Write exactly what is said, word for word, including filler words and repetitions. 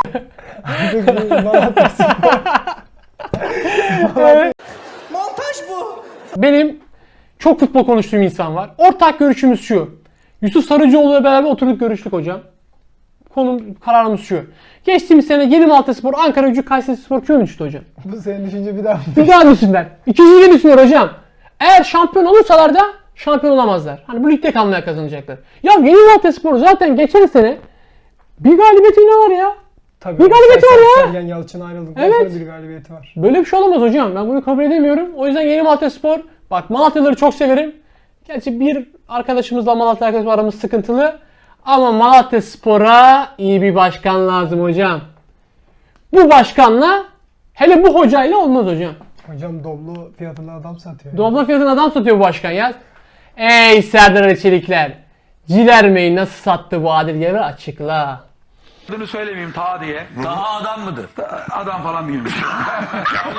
Artık bir Malatya Spor. Montaj bu. Benim çok futbol konuştuğum insan var. Ortak görüşümüz şu. Yusuf Sarıcıoğlu'yla beraber oturduk görüştük hocam. Konum kararımız şu. Geçtiğimiz sene Yeni Malatyaspor, Ankaragücü, Kayserispor küme düştü hocam. Bu senin düşünce bir daha. Bir daha düşsünler. İkinciyi düşsünler hocam. Eğer şampiyon olursalar da şampiyon olamazlar. Hani bu ligde kalmaya kazanacaklar. Ya Yeni Malatyaspor zaten geçen sene bir galibiyeti ne var ya? Tabii. Bir galibiyeti var ya. Sergen Yalçın ayrıldıktan Evet. sonra bir galibiyeti var. Böyle bir şey olamaz hocam. Ben bunu kabul edemiyorum. O yüzden Yeni Malatyaspor, bak Malatyalıları çok severim. Gerçi bir arkadaşımızla Malatya arkadaşımız aramız sıkıntılı. Ama Malatyaspor'a iyi bir başkan lazım hocam. Bu başkanla, hele bu hocayla olmaz hocam. Hocam Doblo fiyatına adam satıyor. Doblo fiyatına adam satıyor bu başkan ya. Ey Serdar Ali Çelikler. Cilermeyi nasıl sattı bu adil yarı açıkla. Adını söylemeyeyim ta diye. Taha adam mıdır? Adam falan değilmiş.